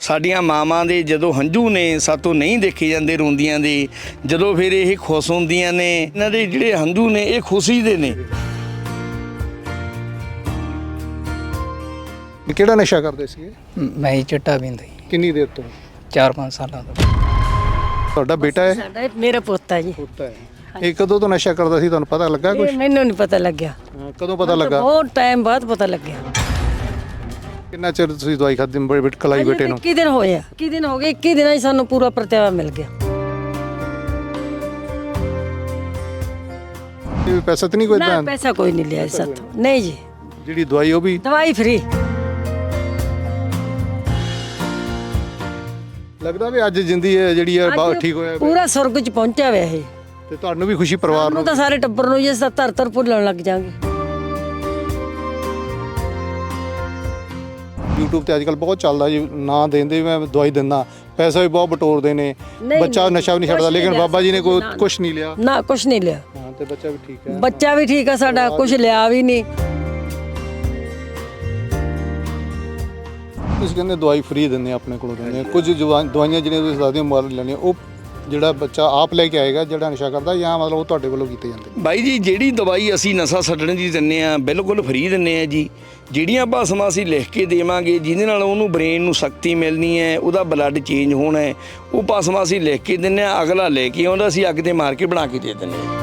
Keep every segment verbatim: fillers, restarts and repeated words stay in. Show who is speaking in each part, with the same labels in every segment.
Speaker 1: ਸਾਡੀਆਂ ਮਾਵਾਂ ਦੇ ਜਦੋਂ ਹੰਝੂ ਨੇ ਸਾਤੋਂ ਨਹੀਂ ਦੇਖੇ ਜਾਂਦੇ ਰੋਂਦੀਆਂ ਦੇ, ਜਦੋਂ ਫਿਰ ਇਹ ਖੁਸ਼ ਹੁੰਦੀਆਂ ਨੇ, ਇਹਨਾਂ ਦੇ ਜਿਹੜੇ ਹੰਝੂ ਨੇ ਇਹ ਖੁਸ਼ੀ ਦੇ ਨੇ।
Speaker 2: ਕਿਹੜਾ ਨਸ਼ਾ ਕਰਦੇ ਸੀਗੇ?
Speaker 3: ਮੈਂ ਹੀ ਚਿੱਟਾ ਪੀਂਦਾ ਜੀ
Speaker 2: ਕਿੰਨੀ ਦੇਰ ਤੋਂ?
Speaker 3: ਚਾਰ ਪੰਜ ਸਾਲਾਂ ਤੋਂ।
Speaker 2: ਤੁਹਾਡਾ ਬੇਟਾ ਹੈ?
Speaker 4: ਸਾਡਾ ਮੇਰਾ ਪੋਤਾ ਜੀ।
Speaker 2: ਪੁੱਤ ਹੈ। ਇਹ ਕਦੋਂ ਤੋਂ ਨਸ਼ਾ ਕਰਦਾ ਸੀ, ਤੁਹਾਨੂੰ ਪਤਾ ਲੱਗਾ ਕੁਝ?
Speaker 4: ਇਹ ਮੈਨੂੰ ਨਹੀਂ ਪਤਾ ਲੱਗਿਆ।
Speaker 2: ਕਦੋਂ ਪਤਾ ਲੱਗਾ?
Speaker 4: ਬਹੁਤ ਟਾਈਮ ਬਾਅਦ ਪਤਾ ਲੱਗਿਆ।
Speaker 2: ਕਿੰਨਾ ਚਿਰ ਤੁਸੀਂ ਦਵਾਈ ਖਾਦੀ ਬੜੇ ਬੇਟ ਕਲਾਈ ਬੇਟੇ ਨੂੰ?
Speaker 4: ਇੱਕੀ ਦਿਨ ਹੋਏ ਆ, ਇੱਕੀ ਦਿਨ ਹੋ ਗਏ। ਇੱਕੀ ਦਿਨਾਂ 'ਚ ਸਾਨੂੰ ਪੂਰਾ ਪ੍ਰਤਿਆਵਾ ਮਿਲ ਗਿਆ।
Speaker 2: ਇਹ ਪੈਸਾ ਤਾਂ ਨਹੀਂ ਕੋਈ
Speaker 4: ਨਾ
Speaker 2: ਏਦਾਂ?
Speaker 4: ਪੈਸਾ ਕੋਈ ਨਹੀਂ ਲਿਆ ਜੀ ਸਾਥੋਂ। ਨਹੀਂ ਜੀ,
Speaker 2: ਜਿਹੜੀ ਦਵਾਈ ਉਹ ਵੀ
Speaker 4: ਦਵਾਈ ਫ੍ਰੀ।
Speaker 2: ਲੱਗਦਾ ਵੀ ਅੱਜ ਜ਼ਿੰਦਗੀ ਹੈ ਜਿਹੜੀ ਹੈ ਬਹੁਤ ਠੀਕ ਹੋਇਆ
Speaker 4: ਪੂਰਾ ਸੁਰਗ 'ਚ ਪਹੁੰਚਿਆ ਹੋਇਆ ਇਹ।
Speaker 2: ਤੇ ਤੁਹਾਨੂੰ ਵੀ ਖੁਸ਼ੀ ਪਰਿਵਾਰ
Speaker 4: ਨੂੰ
Speaker 2: ਨੂੰ?
Speaker 4: ਤਾਂ ਸਾਰੇ ਟੱਬਰ ਨੂੰ ਜਿਸ ਦਾ ਧਰ ਧਰ ਭੁੱਲਣ ਲੱਗ ਜਾਾਂਗੇ।
Speaker 2: YouTube ਤੇ ਅੱਜਕੱਲ ਬਹੁਤ ਚੱਲਦਾ ਜੀ, ਨਾ ਦੇਂਦੇ ਮੈਂ ਦਵਾਈ ਦਿੰਦਾ, ਪੈਸਾ ਵੀ ਬਹੁਤ ਬਟੋਰਦੇ ਨੇ, ਬੱਚਾ ਨਸ਼ਾ ਵੀ ਨਹੀਂ ਛੱਡਦਾ, ਲੇਕਿਨ ਬਾਬਾ ਜੀ ਨੇ ਕੋਈ ਕੁਝ ਨਹੀਂ ਲਿਆ।
Speaker 4: ਨਾ ਕੁਝ ਨਹੀਂ ਲਿਆ।
Speaker 2: ਹਾਂ, ਤੇ ਬੱਚਾ ਵੀ ਠੀਕ ਹੈ।
Speaker 4: ਬੱਚਾ ਵੀ ਠੀਕ ਆ ਸਾਡਾ, ਕੁਝ ਲਿਆ ਵੀ ਨਹੀਂ।
Speaker 2: ਤੁਸੀਂ ਕਹਿੰਦੇ ਦਵਾਈ ਫ੍ਰੀ ਦਿੰਦੇ ਆਪਣੇ ਕੋਲੋਂ ਦਿੰਦੇ, ਕੁਝ ਦਵਾਈਆਂ ਜਿਹੜੀਆਂ ਤੁਸੀਂ ਦੱਸਦੇ ਹੋ ਮੁੱਲ ਲੈਣੀਆਂ, ਉਹ ਜਿਹੜਾ ਬੱਚਾ ਆਪ ਲੈ ਕੇ ਆਏਗਾ ਜਿਹੜਾ ਨਸ਼ਾ ਕਰਦਾ, ਜਾਂ ਮਤਲਬ ਉਹ ਤੁਹਾਡੇ ਵੱਲੋਂ ਕੀਤੇ ਜਾਂਦੇ?
Speaker 1: ਬਾਈ ਜੀ ਜਿਹੜੀ ਦਵਾਈ ਅਸੀਂ ਨਸ਼ਾ ਛੱਡਣ ਦੀ ਦਿੰਦੇ ਆ ਬਿਲਕੁਲ ਫ੍ਰੀ ਦਿੰਦੇ ਆ ਜੀ। ਜਿਹੜੀਆਂ ਭਾਸ਼ਾਵਾਂ ਅਸੀਂ ਲਿਖ ਕੇ ਦੇਵਾਂਗੇ ਜਿਹਦੇ ਨਾਲ ਉਹਨੂੰ ਬ੍ਰੇਨ ਨੂੰ ਸ਼ਕਤੀ ਮਿਲਣੀ ਹੈ, ਉਹਦਾ ਬਲੱਡ ਚੇਂਜ ਹੋਣਾ ਹੈ, ਉਹ ਭਾਸ਼ਾਵਾਂ ਅਸੀਂ ਲਿਖ ਕੇ ਦਿੰਦੇ ਆ। ਅਗਲਾ ਲੈ ਕੇ ਆਉਂਦਾ, ਅਸੀਂ ਅੱਗ ਤੇ ਮਾਰ ਕੇ ਬਣਾ ਕੇ ਦੇ ਦਿੰਦੇ ਹਾਂ।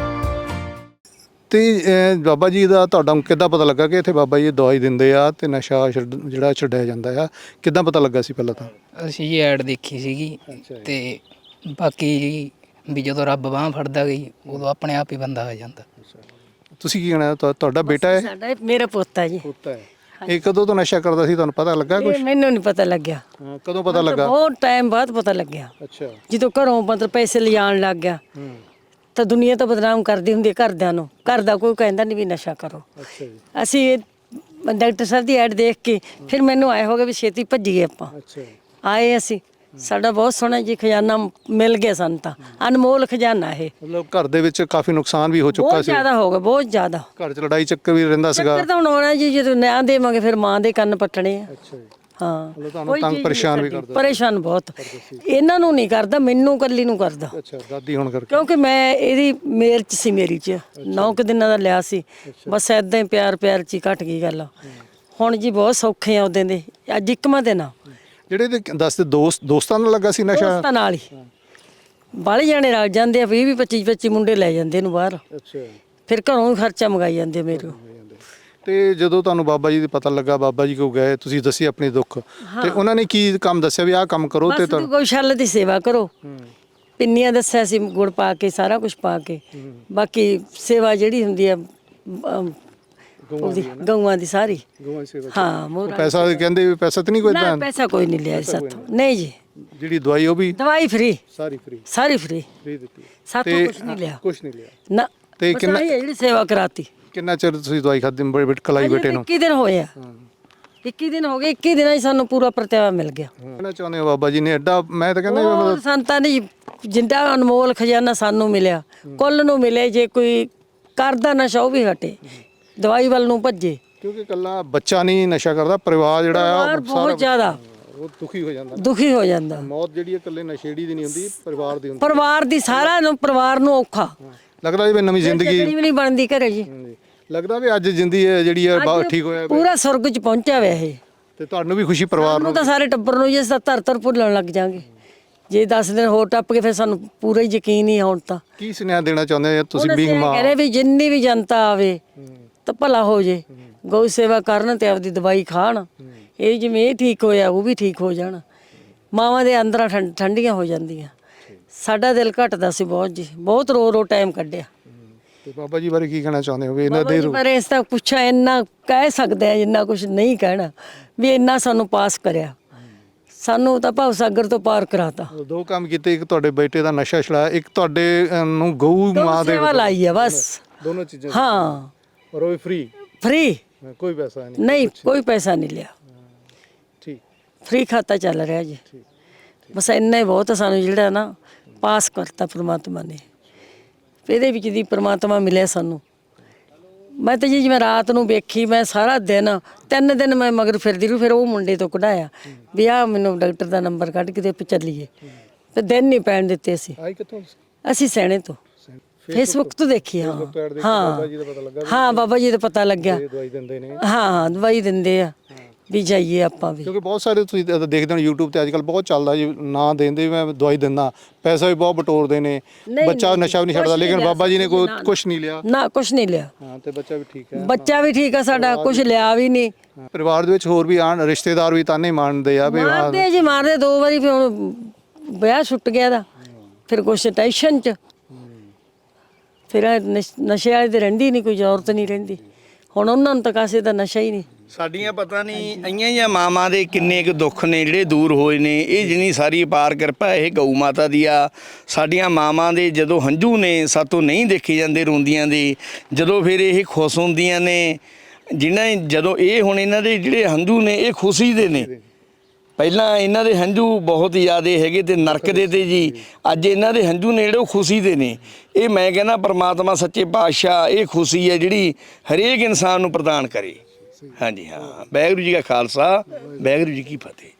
Speaker 2: ਤੇ ਬਾਬਾ ਜੀ ਦਾ ਤੁਹਾਡਾ ਕਿੱਦਾਂ ਪਤਾ ਲੱਗਾ ਕਿ ਇੱਥੇ ਬਾਬਾ ਜੀ ਦਵਾਈ ਦਿੰਦੇ ਆ ਤੇ ਨਸ਼ਾ ਛੱਡ ਜਿਹੜਾ ਛੱਡਿਆ ਜਾਂਦਾ ਆ? ਕਿੱਦਾਂ ਪਤਾ ਲੱਗਾ ਸੀ ਪਹਿਲਾਂ ਤਾਂ?
Speaker 3: ਅਸੀਂ ਜੀ ਐਡ ਦੇਖੀ ਸੀਗੀ, ਤੇ ਬਾਕੀ ਜੀ ਵੀ ਜਦੋਂ ਰੱਬ ਬਾਂਹ ਫੜਦਾ ਗਈ ਉਦੋਂ ਆਪਣੇ ਆਪ ਹੀ ਬੰਦਾ ਆ ਜਾਂਦਾ।
Speaker 2: ਤੁਸੀਂ ਕੀ ਕਹਿਣਾ? ਤੁਹਾਡਾ ਬੇਟਾ ਹੈ?
Speaker 4: ਸਾਡਾ ਇਹ ਮੇਰਾ ਪੋਤਾ ਜੀ।
Speaker 2: ਪੁੱਤ ਹੈ। ਇਹ ਕਦੋਂ ਤੋਂ ਨਸ਼ਾ ਕਰਦਾ ਸੀ, ਤੁਹਾਨੂੰ ਪਤਾ ਲੱਗਾ ਕੁਝ?
Speaker 4: ਇਹ ਮੈਨੂੰ ਨਹੀਂ ਪਤਾ ਲੱਗਿਆ।
Speaker 2: ਕਦੋਂ ਪਤਾ ਲੱਗਾ?
Speaker 4: ਬਹੁਤ ਟਾਈਮ ਬਾਅਦ ਪਤਾ ਲੱਗਿਆ।
Speaker 2: ਅੱਛਾ।
Speaker 4: ਜਦੋਂ ਘਰੋਂ ਮਤਲਬ ਪੈਸੇ ਲਿਜਾਣ ਲੱਗ ਗਿਆ ਤਾਂ ਦੁਨੀਆ ਤਾਂ ਬਦਨਾਮ ਕਰਦੀ ਹੁੰਦੀ ਹੈ ਘਰਦਿਆਂ ਨੂੰ। ਘਰ ਦਾ ਕੋਈ ਕਹਿੰਦਾ ਨਹੀਂ ਵੀ ਨਸ਼ਾ ਕਰੋ।
Speaker 2: ਅੱਛਾ ਜੀ।
Speaker 4: ਅਸੀਂ ਡਾਕਟਰ ਸਾਹਿਬ ਦੀ ਐਡ ਦੇਖ ਕੇ ਫਿਰ ਮੈਨੂੰ ਆਏ ਹੋ ਗਏ ਵੀ ਛੇਤੀ ਭੱਜੀਏ ਆਪਾਂ।
Speaker 2: ਅੱਛਾ।
Speaker 4: ਆਏ ਅਸੀਂ, ਸਾਡਾ ਬਹੁਤ ਸੋਹਣਾ ਜੀ ਖਜ਼ਾਨਾ ਮਿਲ ਗਿਆ ਸਾਨੂੰ ਤਾਂ। ਅਨਮੋਲ ਖਜ਼ਾਨਾ ਇਹ।
Speaker 2: ਮਤਲਬ ਘਰ ਦੇ ਵਿੱਚ ਕਾਫੀ ਨੁਕਸਾਨ ਵੀ ਹੋ ਚੁੱਕਾ
Speaker 4: ਬਹੁਤ
Speaker 2: ਸੀ।
Speaker 4: ਜ਼ਿਆਦਾ ਹੋ ਗਿਆ, ਬਹੁਤ ਜ਼ਿਆਦਾ।
Speaker 2: ਘਰ 'ਚ ਲੜਾਈ ਚੱਕਰ ਵੀ ਰਹਿੰਦਾ ਸੀਗਾ।
Speaker 4: ਚੱਕਰ ਤਾਂ ਹੁਣ ਆਉਣਾ ਜੀ, ਜਦੋਂ ਨਿਆਂ ਦੇਵਾਂਗੇ ਫਿਰ ਮਾਂ ਦੇ ਕੰਨ ਪੱਟਣੇ ਆ।
Speaker 2: ਅੱਛਾ ਜੀ।
Speaker 4: ਹਾਂ,
Speaker 2: ਮਤਲਬ ਤੁਹਾਨੂੰ ਤੰਗ ਪਰੇਸ਼ਾਨ ਵੀ ਕਰਦਾ?
Speaker 4: ਪਰੇਸ਼ਾਨ ਬਹੁਤ। ਇਹਨਾਂ ਨੂੰ ਨਹੀਂ ਕਰਦਾ, ਮੈਨੂੰ ਕੱਲੀ ਨੂੰ ਕਰਦਾ।
Speaker 2: ਅੱਛਾ, ਦਾਦੀ ਹੁਣ ਕਰਕੇ?
Speaker 4: ਕਿਉਂਕਿ ਮੈਂ ਇਹਦੀ ਮੇਰ ਚ ਸੀ, ਮੇਰੀ ਚ ਨੌ ਕੁ ਦਿਨਾਂ ਦਾ ਲਿਆ ਸੀ। ਬਸ ਏਦਾਂ ਹੀ ਪਿਆਰ ਪਿਆਰ ਚ ਹੀ ਘਟ ਗਈ ਗੱਲ। ਹੁਣ ਜੀ ਬਹੁਤ ਸੌਖੇ ਆ ਉਹਦੇ ਦੇ। ਅੱਜ ਇੱਕਵਾਂ ਦਿਨ ਆ।
Speaker 2: ਜਿਹੜੇ ਤੇ ਦੱਸਦੇ ਦੋਸਤ ਦੋਸਤਾਂ ਨਾਲ ਲੱਗਾ ਸੀ ਨਸ਼ਾ?
Speaker 4: ਦੋਸਤਾਂ ਨਾਲ ਹੀ ਬਾਹਲੇ ਜਾਣੇ ਰਲ ਜਾਂਦੇ ਆ, ਵੀਹ ਵੀਹ ਪੱਚੀ ਪੱਚੀ ਮੁੰਡੇ ਲੈ ਜਾਂਦੇ ਇਹਨੂੰ ਬਾਹਰ।
Speaker 2: ਅੱਛਾ।
Speaker 4: ਫਿਰ ਘਰੋਂ ਹੀ ਖਰਚਾ ਮੰਗਾਈ ਜਾਂਦੇ ਮੇਰੇ ਕੋਲ।
Speaker 2: ਤੇ ਜਦੋਂ ਤੁਹਾਨੂੰ ਬਾਬਾ ਜੀ ਦਾ ਪਤਾ ਲੱਗਾ, ਬਾਬਾ ਜੀ ਕੋਲ ਗਏ, ਤੁਸੀਂ ਦੱਸੀ ਆਪਣੀ ਦੁੱਖ, ਤੇ ਉਹਨਾਂ ਨੇ ਕੀ ਕੰਮ ਦੱਸਿਆ ਵੀ ਆਹ ਕੰਮ ਕਰੋ? ਤੇ
Speaker 4: ਬਸ ਗਊਸ਼ਾਲਾ ਦੀ ਸੇਵਾ ਕਰੋ। ਪਿੰਨੀਆਂ ਦੱਸਿਆ ਸੀ, ਗੁੜ ਪਾ ਕੇ, ਸਾਰਾ ਕੁਝ ਪਾ ਕੇ। ਬਾਕੀ ਸੇਵਾ ਜਿਹੜੀ ਹੁੰਦੀ ਆ ਉਹਦੀ ਗਊਆਂ ਦੀ ਸਾਰੀ। ਹਾਂ, ਮੋਹਰਾ।
Speaker 2: ਪੈਸਾ ਕਹਿੰਦੇ ਵੀ ਪੈਸਾ ਤਾਂ ਨਹੀਂ ਕੋਈ
Speaker 4: ਨਾ
Speaker 2: ਏਦਾਂ?
Speaker 4: ਪੈਸਾ ਕੋਈ ਨਹੀਂ ਲਿਆ ਸਾਥੋਂ। ਨਹੀਂ ਜੀ,
Speaker 2: ਜਿਹੜੀ ਦਵਾਈ ਉਹ ਵੀ
Speaker 4: ਦਵਾਈ ਫ੍ਰੀ।
Speaker 2: ਸਾਰੀ ਫ੍ਰੀ?
Speaker 4: ਸਾਰੀ ਫ੍ਰੀ
Speaker 2: ਫ੍ਰੀ ਦਿੱਤੀ
Speaker 4: ਸਾਥੋਂ। ਕੁਝ ਨਹੀਂ ਲਿਆ।
Speaker 2: ਕੁਝ ਨਹੀਂ ਲਿਆ।
Speaker 4: ਨਾ।
Speaker 2: ਤੇ
Speaker 4: ਬਸ
Speaker 2: ਕਿੰਨਾ
Speaker 4: ਆਹੀ ਹੈ ਜਿਹੜੀ ਸੇਵਾ ਕਰਾਤੀ।
Speaker 2: ਕਿੰਨਾ ਚਿਰ ਤੁਸੀਂ ਦਵਾਈ ਖਾਦੀ ਬੜੇ ਬੇਟ ਕਲਾਈ ਬੇਟੇ ਨੂੰ?
Speaker 4: ਇੱਕੀ ਦਿਨ ਹੋਏ ਆ। ਇੱਕੀ ਦਿਨ ਹੋ ਗਏ। ਇੱਕੀ ਦਿਨਾਂ 'ਚ ਸਾਨੂੰ ਪੂਰਾ ਪ੍ਰਤਿਆਵਾ ਮਿਲ ਗਿਆ।
Speaker 2: ਕਹਿਣਾ ਚਾਹੁੰਦੇ ਹੋ ਬਾਬਾ ਜੀ ਨੇ ਐਡਾ, ਮੈਂ ਤਾਂ ਕਹਿੰਦਾ
Speaker 4: ਉਹ ਸੰਤਾਂ ਨੇ ਜਿੰਦਾ ਅਨਮੋਲ ਖਜ਼ਾਨਾ ਸਾਨੂੰ ਮਿਲਿਆ, ਕੁੱਲ ਨੂੰ ਮਿਲੇ। ਜੇ ਕੋਈ ਕਰਦਾ ਨਸ਼ਾ ਉਹ ਵੀ ਹਟੇ, ਦਵਾਈ ਵੱਲ ਨੂੰ ਭੱਜੇ।
Speaker 2: ਕਿਉਂਕਿ ਇਕੱਲਾ ਬੱਚਾ ਨਹੀਂ ਨਸ਼ਾ ਕਰਦਾ, ਪਰਿਵਾਰ ਜਿਹੜਾ ਆ
Speaker 4: ਪਰਿਵਾਰ ਬਹੁਤ ਜ਼ਿਆਦਾ
Speaker 2: ਉਹ ਦੁਖੀ ਹੋ ਜਾਂਦਾ।
Speaker 4: ਦੁਖੀ ਹੋ ਜਾਂਦਾ।
Speaker 2: ਮੌਤ ਜਿਹੜੀ ਹੈ ਇਕੱਲੇ ਨਸ਼ੇੜੀ ਦੀ ਨਹੀਂ ਹੁੰਦੀ, ਪਰਿਵਾਰ ਦੀ ਹੁੰਦੀ।
Speaker 4: ਪਰਿਵਾਰ ਦੀ ਸਾਰਾ ਨੂੰ ਪਰਿਵਾਰ ਨੂੰ ਔਖਾ
Speaker 2: ਲੱਗਦਾ ਜਿਵੇਂ ਨਵੀਂ ਜ਼ਿੰਦਗੀ
Speaker 4: ਵੀ ਨਹੀਂ ਬਣਦੀ ਘਰੇ ਜੀ।
Speaker 2: ਲੱਗਦਾ ਵੀ ਅੱਜ ਜ਼ਿੰਦਗੀ ਹੈ ਜਿਹੜੀ ਹੈ ਬਹੁਤ ਠੀਕ ਹੋਇਆ,
Speaker 4: ਪੂਰਾ ਸੁਰਗ 'ਚ ਪਹੁੰਚਿਆ ਹੋਇਆ ਇਹ।
Speaker 2: ਤੇ ਤੁਹਾਨੂੰ ਵੀ ਖੁਸ਼ੀ ਪਰਿਵਾਰ
Speaker 4: ਨੂੰ
Speaker 2: ਨੂੰ?
Speaker 4: ਤਾਂ ਸਾਰੇ ਟੱਬਰ ਨੂੰ ਜਿਸ ਦਾ ਧਰ ਧਰ ਭੁੱਲਣ ਲੱਗ ਜਾਾਂਗੇ। ਜੇ ਦਸ ਦਿਨ ਹੋਰ ਟੱਪ ਕੇ ਫਿਰ ਸਾਨੂੰ ਪੂਰਾ ਹੀ ਯਕੀਨ ਹੀ ਹੁਣ ਤਾਂ।
Speaker 2: ਕੀ ਸੁਨੇਹਾ ਦੇਣਾ ਚਾਹੁੰਦੇ ਹੋ ਤੁਸੀਂ ਵੀ? ਮਾਂ
Speaker 4: ਕਹਿੰਦੇ ਵੀ ਜਿੰਨੀ ਵੀ ਜਨਤਾ ਆਵੇ ਤਾਂ ਭਲਾ ਹੋ ਜੇ। ਗਊ ਸੇਵਾ ਕਰਨ ਤੇ ਆਪਦੀ ਦਵਾਈ ਖਾਣ। ਇਹ ਜਿਵੇਂ ਇਹ ਠੀਕ ਹੋਇਆ ਉਹ ਵੀ ਠੀਕ ਹੋ ਜਾਣ। ਮਾਵਾਂ ਦੇ ਅੰਦਰਾਂ ਠੰਡੀਆਂ ਹੋ ਜਾਂਦੀਆਂ। ਸਾਡਾ ਦਿਲ ਘਟਦਾ ਸੀ ਬਹੁਤ ਜੀ, ਬਹੁਤ ਰੋ ਰੋ ਟਾਈਮ ਕੱਢਿਆ।
Speaker 2: ਤੇ ਬਾਬਾ ਜੀ ਬਾਰੇ ਕੀ ਕਹਿਣਾ ਚਾਹੁੰਦੇ ਹੋ? ਇਹਨਾਂ ਦੇ
Speaker 4: ਪਰ ਇਸ ਤਾਂ ਪੁੱਛਿਆ ਇੰਨਾ ਕਹਿ ਸਕਦੇ ਆ, ਜਿੰਨਾ ਕੁਝ ਨਹੀਂ ਕਹਿਣਾ ਵੀ ਇੰਨਾ ਸਾਨੂੰ ਪਾਸ ਕਰਿਆ। ਸਾਨੂੰ ਤਾਂ ਭਵ ਸਾਗਰ ਤੋਂ ਪਾਰ ਕਰਾਤਾ।
Speaker 2: ਦੋ ਕੰਮ ਕੀਤੇ, ਇੱਕ ਤੁਹਾਡੇ ਬੇਟੇ ਦਾ ਨਸ਼ਾ ਛੁਡਾਇਆ, ਇੱਕ ਤੁਹਾਡੇ ਨੂੰ ਗਊ ਮਾਂ ਦੇ
Speaker 4: ਸੇਵਾ ਲਾਈ ਆ ਬਸ।
Speaker 2: ਦੋਨੋਂ ਚੀਜ਼ਾਂ?
Speaker 4: ਹਾਂ।
Speaker 2: ਔਰ ਉਹ ਵੀ ਫ੍ਰੀ?
Speaker 4: ਫ੍ਰੀ,
Speaker 2: ਕੋਈ ਪੈਸਾ ਨਹੀਂ?
Speaker 4: ਨਹੀਂ, ਕੋਈ ਪੈਸਾ ਨਹੀਂ ਲਿਆ।
Speaker 2: ਠੀਕ।
Speaker 4: ਫ੍ਰੀ ਖਾਤਾ ਚੱਲ ਰਿਹਾ ਜੀ। ਬਸ ਇੰਨਾ ਹੀ ਬਹੁਤ ਸਾਨੂੰ ਜਿਹੜਾ ਨਾ ਪਾਸ ਕਰਤਾ ਪ੍ਰਮਾਤਮਾ ਨੇ। ਇਹਦੇ ਵਿੱਚ ਦੀ ਪ੍ਰਮਾਤਮਾ ਮਿਲਿਆ ਸਾਨੂੰ। ਮੈਂ ਤਾਂ ਜੀ ਜਿਵੇਂ ਰਾਤ ਨੂੰ ਵੇਖੀ, ਮੈਂ ਸਾਰਾ ਦਿਨ ਤਿੰਨ ਦਿਨ ਮੈਂ ਮਗਰ ਫਿਰਦੀ ਰਹੀ। ਫਿਰ ਉਹ ਮੁੰਡੇ ਤੋਂ ਕਢਾਇਆ ਵੀ ਆ ਮੈਨੂੰ ਡਾਕਟਰ ਦਾ ਨੰਬਰ ਕੱਢ ਕੇ ਤੇ ਚੱਲੀਏ, ਤੇ ਦਿਨ ਨਹੀਂ ਪੈਣ ਦਿੱਤੇ ਅਸੀਂ।
Speaker 2: ਆਈ ਕਿੱਥੋਂ?
Speaker 4: ਅਸੀਂ ਸੈਣੇ ਤੋਂ ਫੇਸਬੁੱਕ ਤੋਂ ਦੇਖੀ। ਹਾਂ ਹਾਂ ਹਾਂ ਬਾਬਾ ਜੀ ਦਾ ਪਤਾ ਲੱਗਿਆ।
Speaker 2: ਦਵਾਈ ਦਿੰਦੇ ਨੇ।
Speaker 4: ਹਾਂ ਹਾਂ ਦਵਾਈ ਦਿੰਦੇ ਆ ਵੀ ਜਾਈਏ ਆਪਾਂ ਵੀ।
Speaker 2: ਕਿਉਂਕਿ ਬਹੁਤ ਸਾਰੇ ਤੁਸੀਂ ਦੇਖਦੇ ਹੋ YouTube ਤੇ ਅੱਜ ਕੱਲ੍ਹ ਬਹੁਤ ਚੱਲਦਾ ਜੀ, ਨਾ ਦਿੰਦੇ ਮੈਂ ਦਵਾਈ ਦਿੰਦਾ, ਪੈਸਾ ਵੀ ਬਹੁਤ ਬਟੋਰਦੇ ਨੇ, ਬੱਚਾ ਨਸ਼ਾ ਵੀ ਨਹੀਂ ਛੱਡਦਾ, ਲੇਕਿਨ ਬਾਬਾ ਜੀ ਨੇ ਕੋਈ ਕੁਛ ਨਹੀਂ ਲਿਆ
Speaker 4: ਨਾ, ਕੁਛ ਨਹੀਂ ਲਿਆ।
Speaker 2: ਹਾਂ ਤੇ ਬੱਚਾ ਵੀ ਠੀਕ ਹੈ।
Speaker 4: ਬੱਚਾ ਵੀ ਠੀਕ ਆ ਸਾਡਾ, ਕੁਛ ਲਿਆ ਵੀ ਨਹੀਂ।
Speaker 2: ਪਰਿਵਾਰ ਦੇ ਵਿੱਚ ਹੋਰ ਵੀ ਆਣ ਰਿਸ਼ਤੇਦਾਰ ਵੀ ਤਾਨੇ ਮਾਰਦੇ ਆ ਵੀ
Speaker 4: ਮਾਰਦੇ ਜੀ, ਮਾਰਦੇ ਦੋ ਵਾਰੀ। ਫਿਰ ਹੁਣ ਵਿਆਹ ਛੁੱਟ ਗਿਆ ਦਾ, ਫਿਰ ਕੁਛ ਟੈਨਸ਼ਨ ਚ, ਫਿਰ ਨਸ਼ੇ ਵਾਲੇ ਤੇ ਰਹਿੰਦੀ ਨਹੀਂ, ਕੋਈ ਔਰਤ ਨਹੀਂ ਰਹਿੰਦੀ। ਹੁਣ ਉਹਨਾਂ ਨੂੰ ਤਾਂ ਕਾਸੇ ਦਾ ਨਸ਼ਾ ਹੀ ਨਹੀਂ।
Speaker 1: ਸਾਡੀਆਂ ਪਤਾ ਨਹੀਂ ਆਈਆਂ ਜਾਂ ਮਾਵਾਂ ਦੇ ਕਿੰਨੇ ਕੁ ਦੁੱਖ ਨੇ ਜਿਹੜੇ ਦੂਰ ਹੋਏ ਨੇ। ਇਹ ਜਿੰਨੀ ਸਾਰੀ ਅਪਾਰ ਕਿਰਪਾ ਇਹ ਗਊ ਮਾਤਾ ਦੀ ਆ। ਸਾਡੀਆਂ ਮਾਵਾਂ ਦੇ ਜਦੋਂ ਹੰਝੂ ਨੇ ਸਾਤੋਂ ਨਹੀਂ ਦੇਖੇ ਜਾਂਦੇ ਰੋਂਦੀਆਂ ਦੇ, ਜਦੋਂ ਫਿਰ ਇਹ ਖੁਸ਼ ਹੁੰਦੀਆਂ ਨੇ, ਜਿਨ੍ਹਾਂ ਜਦੋਂ ਇਹ ਹੁਣ ਇਹਨਾਂ ਦੇ ਜਿਹੜੇ ਹੰਝੂ ਨੇ ਇਹ ਖੁਸ਼ੀ ਦੇ ਨੇ। ਪਹਿਲਾਂ ਇਹਨਾਂ ਦੇ ਹੰਝੂ ਬਹੁਤ ਜ਼ਿਆਦਾ ਹੈਗੇ ਤੇ ਨਰਕ ਦੇ ਤੇ ਜੀ, ਅੱਜ ਇਹਨਾਂ ਦੇ ਹੰਝੂ ਨੇ ਜਿਹੜੇ ਉਹ ਖੁਸ਼ੀ ਦੇ ਨੇ। ਇਹ ਮੈਂ ਕਹਿੰਦਾ ਪਰਮਾਤਮਾ ਸੱਚੇ ਪਾਤਸ਼ਾਹ ਇਹ ਖੁਸ਼ੀ ਹੈ ਜਿਹੜੀ ਹਰੇਕ ਇਨਸਾਨ ਨੂੰ ਪ੍ਰਦਾਨ ਕਰੇ। ਹਾਂਜੀ ਹਾਂ, ਵਾਹਿਗੁਰੂ ਜੀ ਕਾ ਖਾਲਸਾ, ਵਾਹਿਗੁਰੂ ਜੀ ਕੀ ਫਤਿਹ।